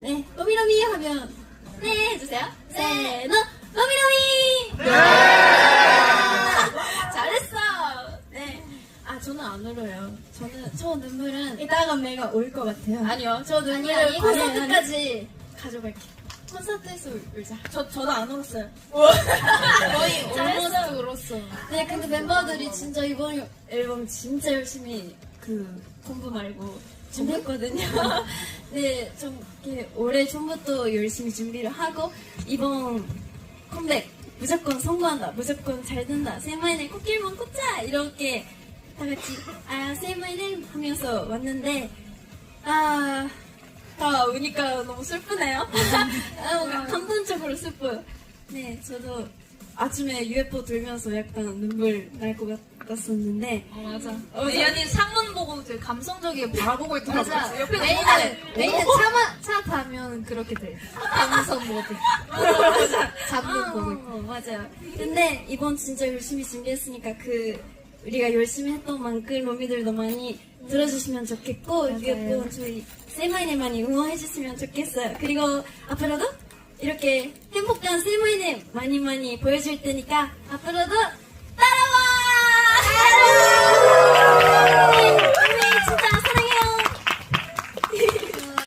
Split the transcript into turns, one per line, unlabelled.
네, 로미로미 하면 네 해주세요. 세노 로미로미. 잘했어. 네. 아 저는 안 울어요. 저 눈물은
이따가 내가 올 것 같아요.
아니요. 저 눈물을
아니,
콘서트까지 가져갈게요. 콘서트에서 울자.
저도 안 울었어요.
거의 almost 울었어. 네, 근데 멤버들이 진짜 이번 앨범 진짜 열심히 공부 말고 준비했거든요. 네, 좀 이렇게 올해 전부터 열심히 준비를 하고 이번 컴백 무조건 성공한다, 무조건 잘 된다, 세마이네 코끼리만 꽂자 이렇게 다 같이 세마이네 하면서 왔는데 다 우니까 너무 슬프네요. 뭔가 감동적으로 슬퍼요. 네, 저도 아침에 UFO 들면서 약간 눈물 날 것 같았었는데.
맞아. 예연이 상문 보고 되게 감성적이게 바라보고 있더라고요.
맞아.
옆에
메인은 차 타면 그렇게 돼. 감성 모드. 잡는 거. 맞아요. 근데 이번 진짜 열심히 준비했으니까 우리가 열심히 했던 만큼 로미들도 많이 들어주시면 좋겠고, 그리고 저희 세마이네 많이 응원해주시면 좋겠어요. 그리고 앞으로도 이렇게 행복한 세마이네 많이 보여줄 테니까 앞으로도